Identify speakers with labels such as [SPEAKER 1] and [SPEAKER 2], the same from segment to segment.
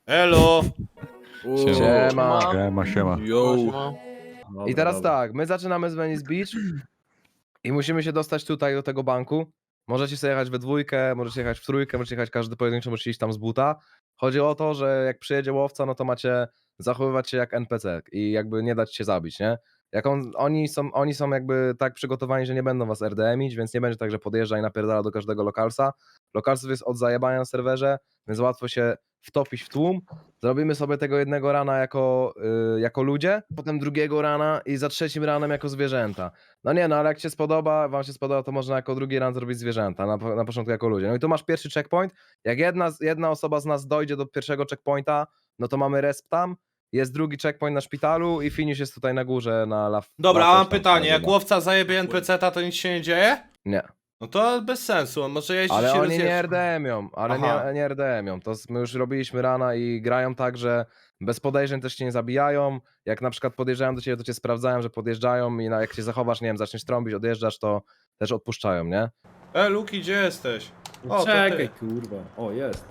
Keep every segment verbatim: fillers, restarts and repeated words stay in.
[SPEAKER 1] Elo!
[SPEAKER 2] Siema.
[SPEAKER 3] Siema, siema.
[SPEAKER 4] Yo.
[SPEAKER 2] I teraz tak, my zaczynamy z Venice Beach i musimy się dostać tutaj do tego banku. Możecie sobie jechać we dwójkę, możecie jechać w trójkę, możecie jechać każdy pojedynczo, możecie iść tam z buta. Chodzi o to, że jak przyjedzie łowca, no to macie zachowywać się jak N P C i jakby nie dać się zabić, nie? Jak on, oni, są, oni są jakby tak przygotowani, że nie będą was R D M-ić, więc nie będzie tak, że podjeżdża i napierdala do każdego lokalsa. Lokalsów jest od zajebania na serwerze, więc łatwo się wtopić w tłum. Zrobimy sobie tego jednego rana jako, yy, jako ludzie, potem drugiego rana i za trzecim ranem jako zwierzęta. No nie, no ale jak się spodoba, wam się spodoba, to można jako drugi ran zrobić zwierzęta, na, na początku jako ludzie. No i tu masz pierwszy checkpoint. Jak jedna, jedna osoba z nas dojdzie do pierwszego checkpointa, no to mamy resp tam, jest drugi checkpoint na szpitalu i finish jest tutaj na górze na la.
[SPEAKER 1] Dobra,
[SPEAKER 2] la
[SPEAKER 1] a mam
[SPEAKER 2] coś tam
[SPEAKER 1] pytanie,
[SPEAKER 2] się
[SPEAKER 1] jak
[SPEAKER 2] nazywa.
[SPEAKER 1] łowca zajebie N P C-ta, to nic się nie dzieje?
[SPEAKER 2] Nie.
[SPEAKER 1] No to bez sensu, on może jeździć
[SPEAKER 2] Ale
[SPEAKER 1] i
[SPEAKER 2] oni
[SPEAKER 1] rozjeżdżać.
[SPEAKER 2] nie R D M-ią, ale
[SPEAKER 1] Aha.
[SPEAKER 2] nie, nie R D M-ią. To my już robiliśmy rana i grają tak, że bez podejrzeń też cię nie zabijają. Jak na przykład podjeżdżają do ciebie, to cię sprawdzają, że podjeżdżają i na, jak się zachowasz, nie wiem, zaczniesz trąbić, odjeżdżasz, to też odpuszczają, nie?
[SPEAKER 1] E, Luki, gdzie jesteś? O, to
[SPEAKER 4] Czekaj,
[SPEAKER 1] ty.
[SPEAKER 4] kurwa. O, jest.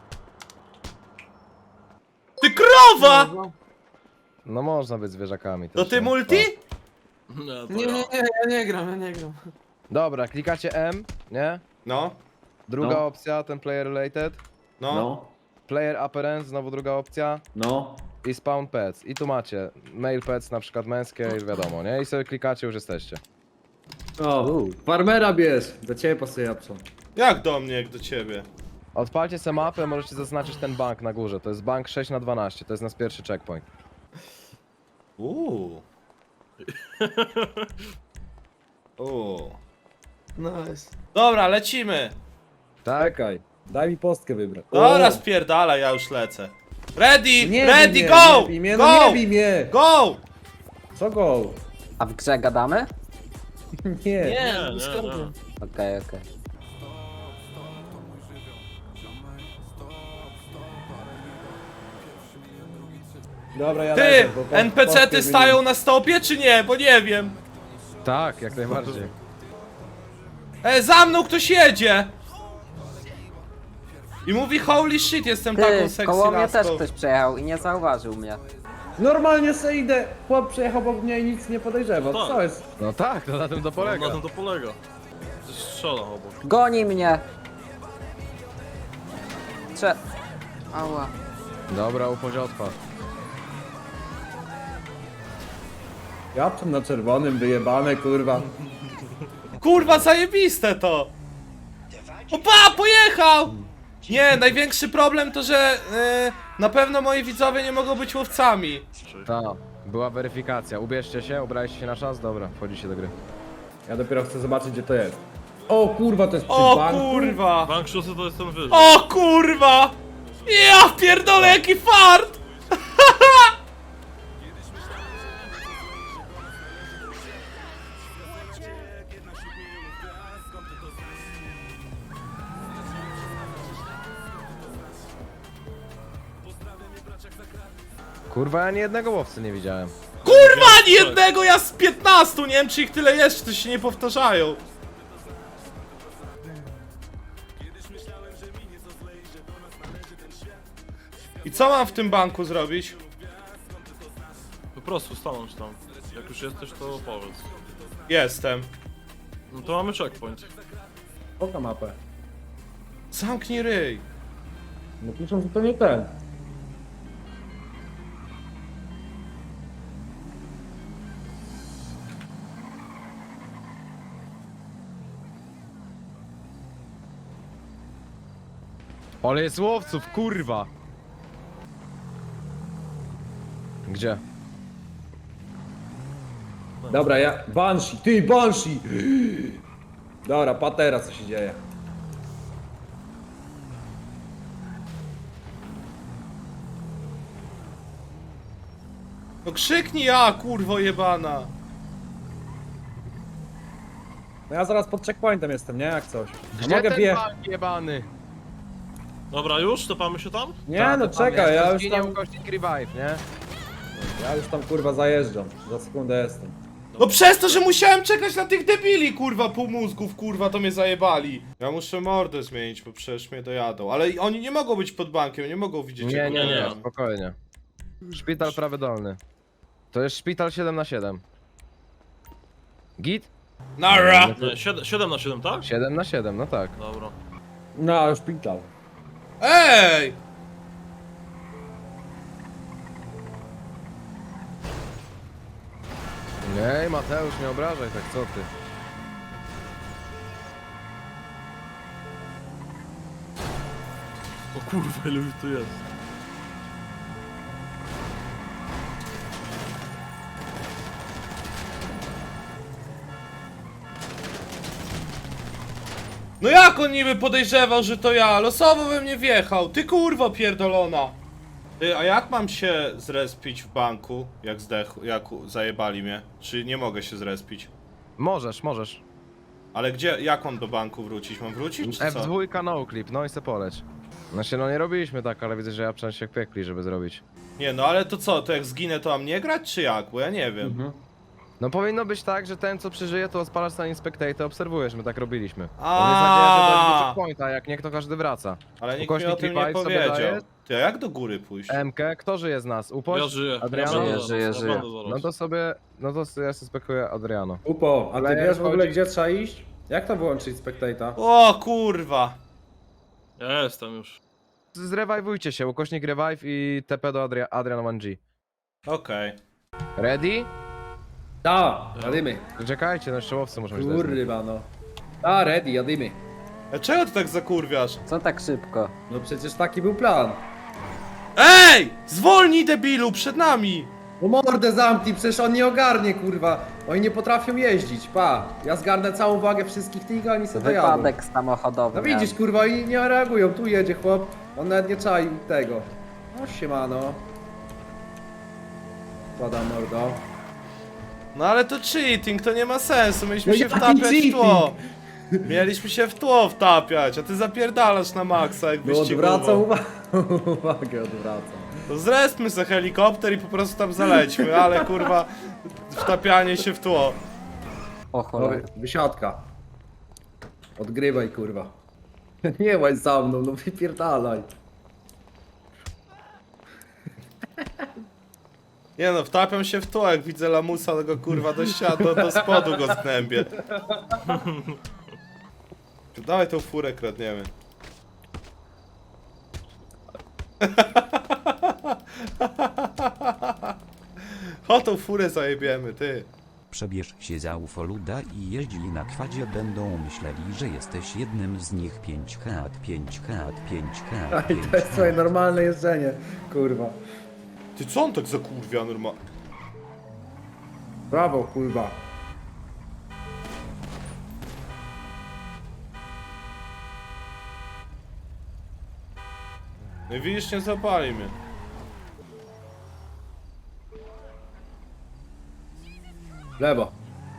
[SPEAKER 1] Ty krowa!
[SPEAKER 2] No można być zwierzakami.
[SPEAKER 1] To
[SPEAKER 2] też,
[SPEAKER 1] ty
[SPEAKER 2] nie?
[SPEAKER 1] multi?
[SPEAKER 5] Nie, nie, nie, ja nie gram, ja nie gram.
[SPEAKER 2] Dobra, klikacie M, nie?
[SPEAKER 1] No,
[SPEAKER 2] Druga
[SPEAKER 4] No.
[SPEAKER 2] opcja, ten player related.
[SPEAKER 1] no.
[SPEAKER 4] No,
[SPEAKER 2] Player appearance, znowu druga opcja.
[SPEAKER 4] no.
[SPEAKER 2] I spawn pets. I tu macie male pets, na przykład męskie, już wiadomo, nie? I sobie klikacie, już jesteście.
[SPEAKER 4] O, farmera bierz. Do ciebie pasuje Japson.
[SPEAKER 1] Jak do mnie, jak do ciebie?
[SPEAKER 2] Odpalcie sobie mapę, możecie zaznaczyć ten bank na górze. To jest bank sześć na dwanaście, to jest nasz pierwszy checkpoint.
[SPEAKER 1] Uuu. Uuu.
[SPEAKER 5] Nice.
[SPEAKER 1] Dobra, lecimy.
[SPEAKER 2] Tak?
[SPEAKER 4] Czekaj, daj mi postkę wybrać.
[SPEAKER 1] Dobra,
[SPEAKER 4] O!
[SPEAKER 1] spierdala, ja już lecę. Ready,
[SPEAKER 4] Nie
[SPEAKER 1] ready,
[SPEAKER 4] bij mnie,
[SPEAKER 1] go!
[SPEAKER 4] Nie bij mnie,
[SPEAKER 1] Go!
[SPEAKER 4] no nie bij mnie!
[SPEAKER 1] Go!
[SPEAKER 4] Co go?
[SPEAKER 6] A w grze gadamy?
[SPEAKER 4] Nie.
[SPEAKER 5] Nie, no skąd?
[SPEAKER 6] Okej, okej.
[SPEAKER 4] Dobra, ja
[SPEAKER 1] Ty,
[SPEAKER 4] lecę, bo po-
[SPEAKER 1] N P C-ty
[SPEAKER 4] postkę
[SPEAKER 1] stają na stopie, czy nie? Bo nie wiem.
[SPEAKER 2] Tak, jak najbardziej.
[SPEAKER 1] E, za mną ktoś jedzie! I mówi holy shit, jestem taką
[SPEAKER 6] Ty,
[SPEAKER 1] sexy
[SPEAKER 6] koło mnie też
[SPEAKER 1] laską.
[SPEAKER 6] ktoś przejechał i nie zauważył mnie.
[SPEAKER 4] Normalnie se idę. Chłop przejechał obok mnie i nic nie podejrzewa. Co jest?
[SPEAKER 2] No tak, to na tym to polega.
[SPEAKER 7] Na tym to polega. Coś strzela obok.
[SPEAKER 6] Goni mnie! Cze... Ała.
[SPEAKER 2] Dobra, upozie odpad.
[SPEAKER 4] Japson na czerwonym, wyjebane, kurwa.
[SPEAKER 1] Kurwa, zajebiste to! Opa, pojechał! Nie, największy problem to, że e, na pewno moi widzowie nie mogą być łowcami.
[SPEAKER 2] Ta, była weryfikacja. Ubierzcie się, ubraliście się na czas? Dobra, wchodzicie do gry.
[SPEAKER 4] Ja dopiero chcę zobaczyć, gdzie to jest. O kurwa, to jest przy
[SPEAKER 1] O
[SPEAKER 4] banku.
[SPEAKER 1] kurwa!
[SPEAKER 7] Bank szósty to jest ten wyżej.
[SPEAKER 1] O kurwa! Ja pierdolę, jaki fart!
[SPEAKER 2] Kurwa, ja ani jednego łowcy nie widziałem.
[SPEAKER 1] Kurwa, ani jednego, ja z piętnastu, nie wiem czy ich tyle jest, czy to się nie powtarzają. I co mam w tym banku zrobić?
[SPEAKER 7] Po prostu stanąć tam. Jak już jesteś, to powiedz.
[SPEAKER 1] Jestem.
[SPEAKER 7] No to mamy checkpoint.
[SPEAKER 4] Poka mapę.
[SPEAKER 1] Zamknij ryj.
[SPEAKER 4] No piszą, że to nie ten.
[SPEAKER 2] Ale jest łowców, kurwa! Gdzie?
[SPEAKER 4] Dobra, ja... Banshee, ty, Banshee! Dobra, patera, co się dzieje.
[SPEAKER 1] No krzyknij ja, kurwo jebana.
[SPEAKER 4] No ja zaraz pod checkpointem jestem, nie? Jak coś.
[SPEAKER 2] Gdzie
[SPEAKER 4] Mogę
[SPEAKER 2] ten
[SPEAKER 4] wje...
[SPEAKER 2] bank jebany?
[SPEAKER 7] Dobra, już? Topamy się tam?
[SPEAKER 4] Nie, no czekaj, ja już
[SPEAKER 2] Zginie
[SPEAKER 4] tam...
[SPEAKER 2] ukośnik revive, nie?
[SPEAKER 4] Ja już tam kurwa zajeżdżam. Za sekundę jestem.
[SPEAKER 1] No przez to, że musiałem czekać na tych debili, kurwa, półmózgów, kurwa, to mnie zajebali. Ja muszę mordę zmienić, bo przecież mnie dojadą. Ale oni nie mogą być pod bankiem, nie mogą widzieć
[SPEAKER 2] Nie,
[SPEAKER 1] jak
[SPEAKER 2] nie, nie,
[SPEAKER 1] uciekam.
[SPEAKER 2] spokojnie. Szpital prawy dolny. To jest szpital siedem na siedem. Git?
[SPEAKER 1] Nara!
[SPEAKER 7] Nie, siedem na siedem, tak?
[SPEAKER 2] siedem na siedem, no tak.
[SPEAKER 7] Dobra.
[SPEAKER 4] No, szpital.
[SPEAKER 1] Ej!
[SPEAKER 2] Nie, Mateusz, nie obrażaj tak, co ty?
[SPEAKER 7] O kurwa, ile ich tu jest.
[SPEAKER 1] No jak on niby podejrzewał, że to ja? Losowo we mnie wjechał, ty kurwo pierdolona! Ty, a jak mam się zrespić w banku, jak zdechł, jak u- zajebali mnie? Czy nie mogę się zrespić?
[SPEAKER 2] Możesz, możesz.
[SPEAKER 1] Ale gdzie, jak mam do banku wrócić? Mam wrócić, czy
[SPEAKER 2] F
[SPEAKER 1] co?
[SPEAKER 2] dwa no clip, no i se poleć. Znaczy, no nie robiliśmy tak, ale widzę, że ja przynajmniej się piekli, żeby zrobić.
[SPEAKER 1] Nie, no ale to co, to jak zginę, to mam nie grać, czy jak? Bo ja nie wiem.
[SPEAKER 4] Mhm.
[SPEAKER 2] No powinno być tak, że ten co przeżyje, to odpalasz na Inspectate, obserwujesz, my tak robiliśmy.
[SPEAKER 1] A.
[SPEAKER 2] On jest nadzieja, że dojdzie do checkpointa, jak nie, to każdy wraca.
[SPEAKER 1] Ale nikt mi
[SPEAKER 2] Ukośnik
[SPEAKER 1] o tym nie
[SPEAKER 2] revive sobie
[SPEAKER 1] powiedział.
[SPEAKER 2] daje?
[SPEAKER 1] Ty, a jak do góry pójść?
[SPEAKER 2] M K, kto żyje z nas? Upoś?
[SPEAKER 7] Ja żyję.
[SPEAKER 2] Adriano?
[SPEAKER 7] Ja
[SPEAKER 6] Żyję, żyję,
[SPEAKER 7] ja
[SPEAKER 6] żyję.
[SPEAKER 7] będę zaraz.
[SPEAKER 2] No to sobie, no to ja suspekuję Adriano.
[SPEAKER 4] Upo, a ty
[SPEAKER 2] Ale
[SPEAKER 4] wiesz w ogóle
[SPEAKER 2] chodzi-
[SPEAKER 4] gdzie trzeba iść? Jak to wyłączyć spectata?
[SPEAKER 1] O kurwa!
[SPEAKER 7] Ja jestem już.
[SPEAKER 2] Zrewajwujcie się, ukośnik revive i T P do Adria Adrian jeden G.
[SPEAKER 1] Okej.
[SPEAKER 2] Ready?
[SPEAKER 4] Da, jadymy.
[SPEAKER 2] Czekajcie, no szczołowcy muszą być. desny.
[SPEAKER 4] Kurwa no. Da, ready, jadymy.
[SPEAKER 1] A czego ty tak zakurwiasz?
[SPEAKER 6] Co tak szybko?
[SPEAKER 4] No przecież taki był plan.
[SPEAKER 1] Ej! Zwolnij debilu, przed nami!
[SPEAKER 4] No mordę zamknij, przecież on nie ogarnie, kurwa. Oni nie potrafią jeździć, pa. Ja zgarnę całą uwagę wszystkich tych, a oni sobie dojadą.
[SPEAKER 6] Wypadek samochodowy.
[SPEAKER 4] No widzisz, kurwa, oni nie reagują. Tu jedzie chłop, on nawet nie czai tego. No siemano. Pada mordo.
[SPEAKER 1] No ale to cheating, to nie ma sensu, mieliśmy
[SPEAKER 4] No
[SPEAKER 1] się
[SPEAKER 4] jaki
[SPEAKER 1] wtapiać w
[SPEAKER 4] cheating?
[SPEAKER 1] tło. Mieliśmy się w tło wtapiać, a ty zapierdalasz na maksa jak
[SPEAKER 4] No odwracam
[SPEAKER 1] wyścigowo.
[SPEAKER 4] uwagę, uwagę odwracam.
[SPEAKER 1] To zrespmy se helikopter i po prostu tam zalećmy, ale kurwa wtapianie się w tło.
[SPEAKER 6] O
[SPEAKER 4] No,
[SPEAKER 6] cholera.
[SPEAKER 4] wysiadka. Odgrywaj, kurwa. Nie łaź za mną, no wypierdalaj.
[SPEAKER 1] Nie no, wtapiam się w tło, jak widzę lamusa, to go kurwa do ściany, do, do spodu go znębię. Dawaj tą furę kradniemy. O tą furę zajebiemy, ty.
[SPEAKER 3] Przebierz się za ufoluda i jeździli na kwadzie, będą myśleli, że jesteś jednym z nich. Pięć hat, pięć hat, pięć hat,
[SPEAKER 4] Aj, to jest twoje normalne jeżdżenie, kurwa.
[SPEAKER 1] Ty co on tak zakurwia normalnie?
[SPEAKER 4] Brawo, kurwa.
[SPEAKER 1] No i widzisz, nie zapali mnie.
[SPEAKER 4] Lewo.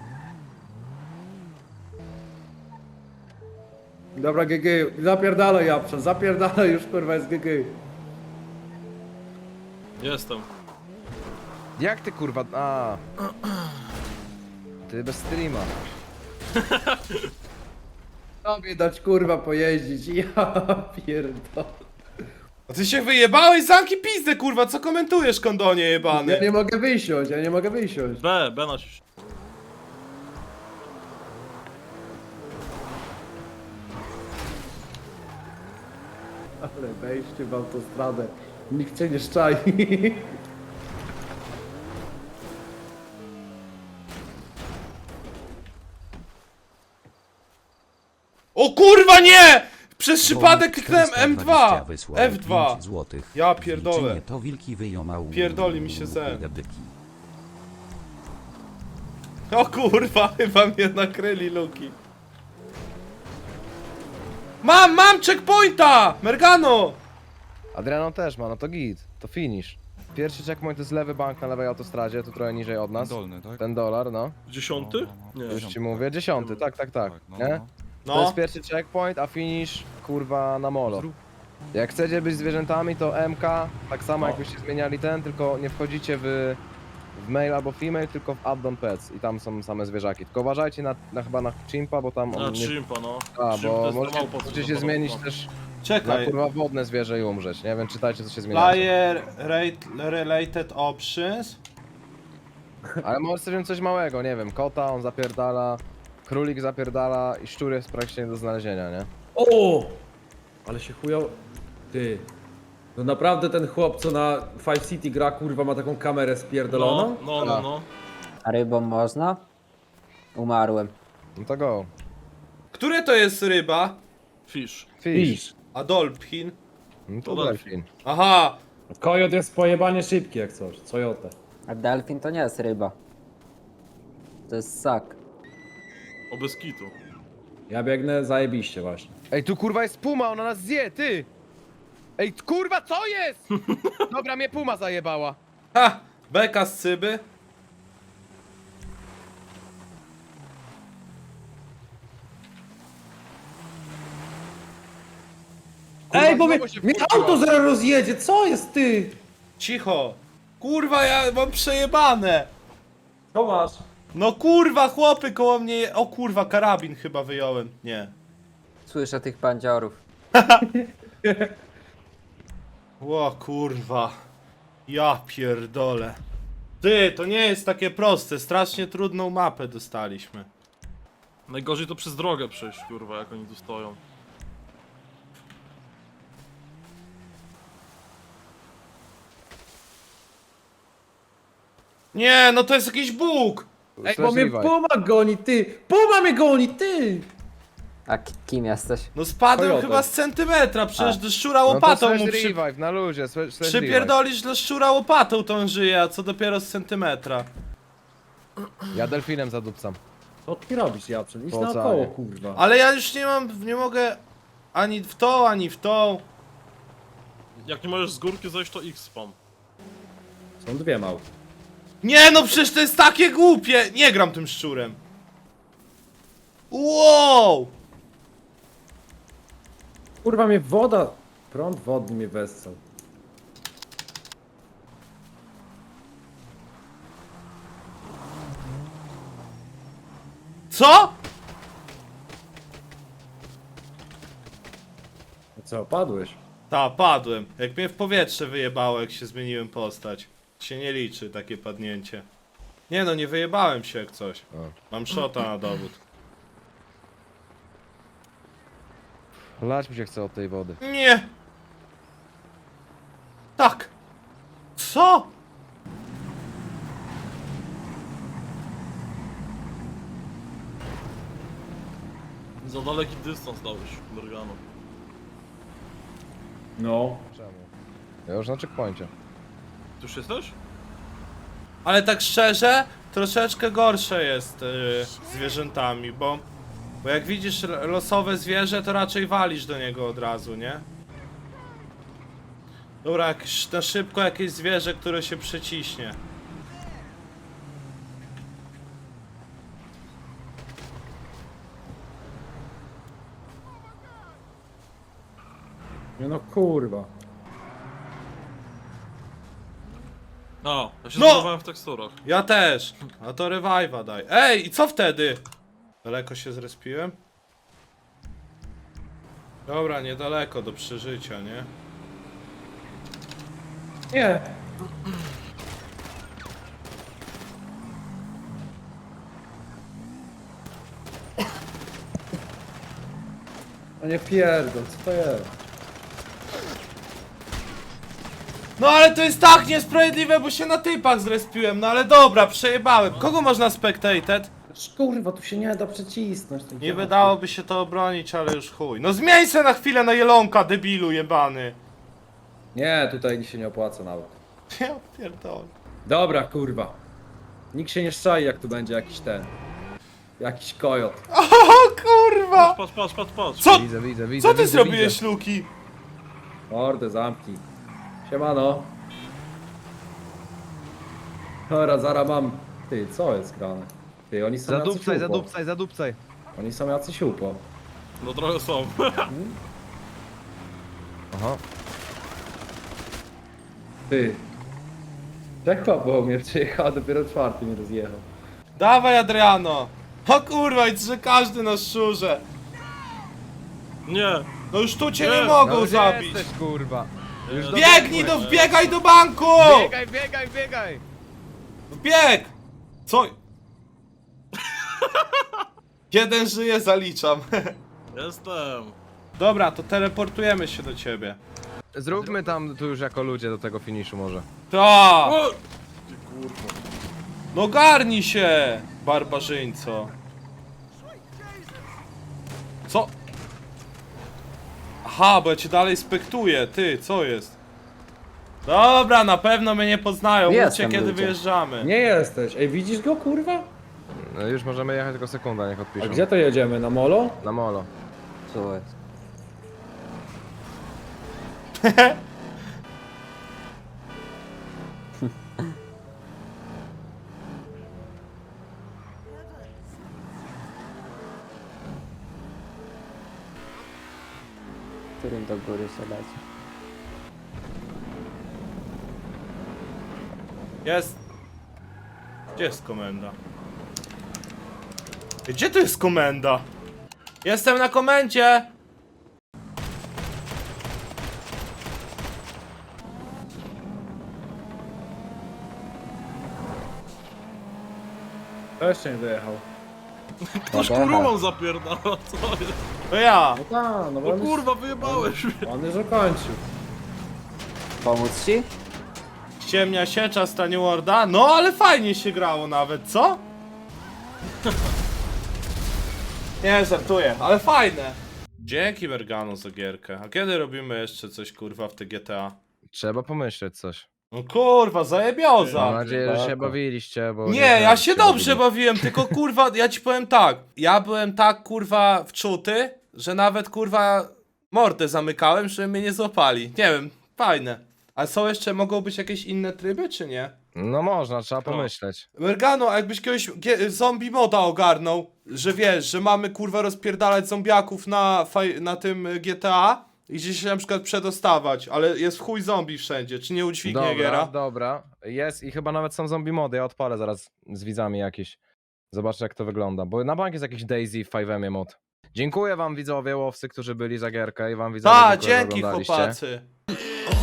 [SPEAKER 4] Dobra, G G, zapierdalaj Japczan, zapierdalaj już, kurwa, jest G G.
[SPEAKER 7] Jestem.
[SPEAKER 2] Jak ty kurwa, a. Ty bez streama.
[SPEAKER 4] Tobie dać, kurwa, pojeździć, ja pierdolę.
[SPEAKER 1] A ty się wyjebałeś? Zamki pizdę, kurwa, co komentujesz, kondonie
[SPEAKER 4] Ja
[SPEAKER 1] jebany?
[SPEAKER 4] nie mogę wysiąść, ja nie mogę wysiąść.
[SPEAKER 7] B, B na się.
[SPEAKER 4] Ale wejście w autostradę, nikt cię nie szczai.
[SPEAKER 1] O kurwa nie! Przez przypadek kliknąłem
[SPEAKER 3] czterysta
[SPEAKER 1] M dwa!
[SPEAKER 3] dwadzieścia wysłał
[SPEAKER 1] F dwa!
[SPEAKER 3] pięć złotych.
[SPEAKER 1] Ja pierdolę.
[SPEAKER 3] Wilczynie to wilki wyjąmał.
[SPEAKER 1] Pierdoli mi się zen.
[SPEAKER 3] Debyki.
[SPEAKER 1] O kurwa, chyba mnie nakryli luki. Mam, mam checkpointa! Mergano!
[SPEAKER 2] Adriano też ma, no to git, to finish. Pierwszy checkpoint to jest lewy bank na lewej autostradzie, tu trochę niżej od nas.
[SPEAKER 8] Dolny, tak?
[SPEAKER 2] Ten dolar, no.
[SPEAKER 7] Dziesiąty? Nie.
[SPEAKER 2] Już ci mówię, dziesiąty, tak, tak, tak.
[SPEAKER 8] no,
[SPEAKER 2] Nie?
[SPEAKER 8] no.
[SPEAKER 2] To
[SPEAKER 1] No,
[SPEAKER 2] jest pierwszy checkpoint, a finish kurwa na molo. Jak chcecie być zwierzętami, to M K, tak samo
[SPEAKER 1] No.
[SPEAKER 2] jakbyście zmieniali ten, tylko nie wchodzicie w w male albo female, tylko w add-on pets i tam są same zwierzaki. Tylko uważajcie na, na chyba na chimpa, bo tam
[SPEAKER 7] Na
[SPEAKER 2] on nie...
[SPEAKER 7] chimpa, no.
[SPEAKER 2] A,
[SPEAKER 7] Chimp to
[SPEAKER 2] bo
[SPEAKER 7] jest
[SPEAKER 2] możecie,
[SPEAKER 7] małpa, co
[SPEAKER 2] możecie się
[SPEAKER 7] zapada
[SPEAKER 2] zmienić
[SPEAKER 7] mapa.
[SPEAKER 2] też na
[SPEAKER 1] Czekaj.
[SPEAKER 2] kurwa wodne zwierzę i umrzeć, nie wiem, czytajcie co się zmienia.
[SPEAKER 1] Player rate, related options.
[SPEAKER 2] Ale może sobie wziąć coś małego, nie wiem, kota on zapierdala, królik zapierdala i szczur jest praktycznie nie do znalezienia, nie?
[SPEAKER 4] O! Ale się chujo... Ty. No naprawdę ten chłop, co na Five City gra, kurwa, ma taką kamerę
[SPEAKER 7] No,
[SPEAKER 4] spierdoloną?
[SPEAKER 7] no, no, no.
[SPEAKER 6] A rybą można? Umarłem.
[SPEAKER 2] No to go.
[SPEAKER 1] Które to jest ryba?
[SPEAKER 7] Fish.
[SPEAKER 2] Fish.
[SPEAKER 1] A dolphin?
[SPEAKER 2] No to
[SPEAKER 7] To
[SPEAKER 2] delfin.
[SPEAKER 1] Aha!
[SPEAKER 4] Kojot jest pojebanie szybki jak coś, Coyote.
[SPEAKER 6] A delfin to nie jest ryba. To jest ssak.
[SPEAKER 7] O bez kitu.
[SPEAKER 4] Ja biegnę zajebiście właśnie.
[SPEAKER 2] Ej, tu kurwa jest puma, ona nas zje, ty! Ej, kurwa, co jest? Dobra, mnie puma zajebała.
[SPEAKER 1] Ha! Beka z cyby.
[SPEAKER 4] Ej, bo mnie,
[SPEAKER 2] znowu się
[SPEAKER 4] mnie
[SPEAKER 2] wkurwiła.
[SPEAKER 4] auto zaraz rozjedzie, co jest ty?
[SPEAKER 1] Cicho! Kurwa, ja mam przejebane!
[SPEAKER 4] Co masz?
[SPEAKER 1] No kurwa, chłopy koło mnie... je- O kurwa, karabin chyba wyjąłem. Nie.
[SPEAKER 6] Słyszę tych bandziorów.
[SPEAKER 1] O kurwa. Ja pierdolę. Ty, to nie jest takie proste. Strasznie trudną mapę dostaliśmy.
[SPEAKER 7] Najgorzej to przez drogę przejść, kurwa, jak oni tu stoją.
[SPEAKER 1] Nie, no to jest jakiś bóg!
[SPEAKER 4] Ej, bo mnie
[SPEAKER 2] Straszliwa.
[SPEAKER 4] Puma goni, ty! Puma mnie goni, ty!
[SPEAKER 6] A ki- kim jesteś?
[SPEAKER 1] No spadłem
[SPEAKER 4] Coyote.
[SPEAKER 1] chyba z centymetra, przecież
[SPEAKER 6] A.
[SPEAKER 1] do szczura
[SPEAKER 2] No to
[SPEAKER 1] łopatą
[SPEAKER 2] slash
[SPEAKER 1] mu przy...
[SPEAKER 2] revive, na luzie, slash slash revive.
[SPEAKER 1] Przypierdolisz do szczura łopatą tą żyje, a co dopiero z centymetra.
[SPEAKER 2] Ja delfinem zadupcam.
[SPEAKER 4] Co ty robisz, Japrzyn? Idź
[SPEAKER 2] Po
[SPEAKER 4] naokoło,
[SPEAKER 2] oceanie.
[SPEAKER 4] kurwa.
[SPEAKER 1] Ale ja już nie mam, nie mogę ani w tą, ani w tą.
[SPEAKER 7] Jak nie możesz z górki zejść, to X spam.
[SPEAKER 4] Są dwie małpy.
[SPEAKER 1] Nie no, przecież to jest takie głupie! Nie gram tym szczurem. Wow!
[SPEAKER 4] Kurwa mnie woda, prąd wodny mnie wessał.
[SPEAKER 1] Co?
[SPEAKER 4] No co, padłeś?
[SPEAKER 1] Ta, padłem. Jak mnie w powietrze wyjebało, jak się zmieniłem postać. Się nie liczy takie padnięcie. Nie no, nie wyjebałem się jak coś. Mam shota na dowód.
[SPEAKER 2] Lać mi się chce od tej wody.
[SPEAKER 1] Nie! Tak! Co?
[SPEAKER 7] Za daleki dystans dałeś, Morgano.
[SPEAKER 4] No.
[SPEAKER 2] Czemu? Ja już na checkpoincie.
[SPEAKER 7] Ty już jesteś?
[SPEAKER 1] Ale tak szczerze, troszeczkę gorsze jest yy, z zwierzętami, bo, bo jak widzisz l- losowe zwierzę, to raczej walisz do niego od razu, nie? Dobra, jakieś, na szybko jakieś zwierzę, które się przeciśnie.
[SPEAKER 4] Nie no kurwa.
[SPEAKER 7] A, ja się
[SPEAKER 1] No!
[SPEAKER 7] zbudowałem w teksturach.
[SPEAKER 1] Ja też. A to revive'a daj. Ej, i co wtedy? Daleko się zrespiłem? Dobra, niedaleko do przeżycia, nie?
[SPEAKER 4] Nie. No nie pierdol, co to jest?
[SPEAKER 1] No ale to jest tak niesprawiedliwe, bo się na typach zrespiłem, no ale dobra, przejebałem. Kogo można spectated?
[SPEAKER 4] Kurwa, tu się nie da przycisnąć.
[SPEAKER 1] Nie wydałoby się to obronić, ale już chuj. No zmień se na chwilę na jelonka, debilu jebany.
[SPEAKER 4] Nie, tutaj się nie opłaca nawet.
[SPEAKER 1] Ja pierdolę.
[SPEAKER 4] Dobra, kurwa. Nikt się nie szczai, jak tu będzie jakiś ten. Jakiś kojot.
[SPEAKER 1] O kurwa!
[SPEAKER 7] Patrz, patrz, patrz, patrz.
[SPEAKER 1] Co?
[SPEAKER 2] Widzę, widzę, widzę.
[SPEAKER 1] Co ty
[SPEAKER 2] widzę,
[SPEAKER 1] zrobiłeś,
[SPEAKER 2] widzę.
[SPEAKER 1] Luki?
[SPEAKER 4] Mordę, zamknij. Siemano. Dobra, zaraz mam. Ty, co jest grane? Ty, oni są jacyś
[SPEAKER 2] Zadupcaj,
[SPEAKER 4] upo.
[SPEAKER 2] zadupcaj, zadupcaj.
[SPEAKER 4] Oni są jacyś upo.
[SPEAKER 7] No trochę są.
[SPEAKER 2] Aha.
[SPEAKER 4] Ty. Tak bo mnie przyjechał, a dopiero czwarty mnie rozjechał.
[SPEAKER 1] Dawaj, Adriano! O kurwa, i że każdy na szczurze!
[SPEAKER 7] Nie!
[SPEAKER 1] No już tu cię
[SPEAKER 7] Nie.
[SPEAKER 1] nie mogą
[SPEAKER 2] No gdzie
[SPEAKER 1] zabić!
[SPEAKER 2] jesteś, kurwa? Już do...
[SPEAKER 1] Biegnij do, wbiegaj do banku!
[SPEAKER 2] Biegaj, biegaj, biegaj!
[SPEAKER 1] Wbieg! Co? Jeden żyje, zaliczam.
[SPEAKER 7] Jestem!
[SPEAKER 1] Dobra, to teleportujemy się do ciebie.
[SPEAKER 2] Zróbmy tam tu już jako ludzie do tego finiszu może.
[SPEAKER 1] Ta!
[SPEAKER 7] O! Ty kurwa.
[SPEAKER 1] No garnij się, barbarzyńco. Co? Aha, bo ja cię dalej spektuję, ty, co jest? Dobra, na pewno mnie nie poznają, mówcie
[SPEAKER 6] Jestem,
[SPEAKER 1] kiedy
[SPEAKER 6] ludzie.
[SPEAKER 1] wyjeżdżamy.
[SPEAKER 4] Nie jesteś. Ej, widzisz go, kurwa?
[SPEAKER 2] No już możemy jechać, tylko sekunda, niech
[SPEAKER 4] A
[SPEAKER 2] odpiszą.
[SPEAKER 4] gdzie to jedziemy? Na molo?
[SPEAKER 2] Na molo.
[SPEAKER 6] Co jest? Którym do góry się leci?
[SPEAKER 1] Jest. Gdzie jest komenda? Gdzie tu jest komenda? Jestem na komendzie!
[SPEAKER 4] To jeszcze nie dojechał.
[SPEAKER 7] Ktoś
[SPEAKER 6] Dobra.
[SPEAKER 7] kurumą zapierdala, co jest?
[SPEAKER 1] To ja!
[SPEAKER 4] No tak, no bo
[SPEAKER 7] O
[SPEAKER 4] on,
[SPEAKER 7] kurwa, wyjebałeś mnie!
[SPEAKER 4] już, on już ukończył.
[SPEAKER 6] Pomóc ci?
[SPEAKER 1] Ciemnia siecza stanie Warda. No ale fajnie się grało nawet, co? Nie, żartuję, ale fajne. Dzięki Mergano za gierkę. A kiedy robimy jeszcze coś kurwa w te G T A?
[SPEAKER 2] Trzeba pomyśleć coś.
[SPEAKER 1] No kurwa, zajebioza.
[SPEAKER 2] Mam nadzieję, że się
[SPEAKER 4] tak.
[SPEAKER 2] bawiliście, bo...
[SPEAKER 1] Nie,
[SPEAKER 2] wiem,
[SPEAKER 1] ja
[SPEAKER 2] jak
[SPEAKER 1] się dobrze
[SPEAKER 2] bawili.
[SPEAKER 1] bawiłem, tylko kurwa, ja ci powiem tak. Ja byłem tak kurwa wczuty, że nawet kurwa mordę zamykałem, żeby mnie nie złapali. Nie wiem, fajne. A są jeszcze, mogą być jakieś inne tryby, czy nie?
[SPEAKER 2] No można, trzeba pomyśleć.
[SPEAKER 1] Mergano, a jakbyś kiedyś gie- zombie moda ogarnął, że wiesz, że mamy kurwa rozpierdalać zombiaków na, faj- na tym G T A i gdzieś się na przykład przedostawać, ale jest w chuj zombie wszędzie, czy nie udźwignie
[SPEAKER 2] Dobra,
[SPEAKER 1] giera?
[SPEAKER 2] dobra. Jest i chyba nawet są zombie mody, ja odpalę zaraz z widzami jakieś. Zobaczę jak to wygląda, bo na bank jest jakiś Daisy w pięć M mod. Dziękuję wam widzowie, łowcy, którzy byli za gierkę i wam widzowie,
[SPEAKER 1] Ta,
[SPEAKER 2] dziękuję, że
[SPEAKER 1] dzięki
[SPEAKER 2] oglądaliście.
[SPEAKER 1] chłopacy.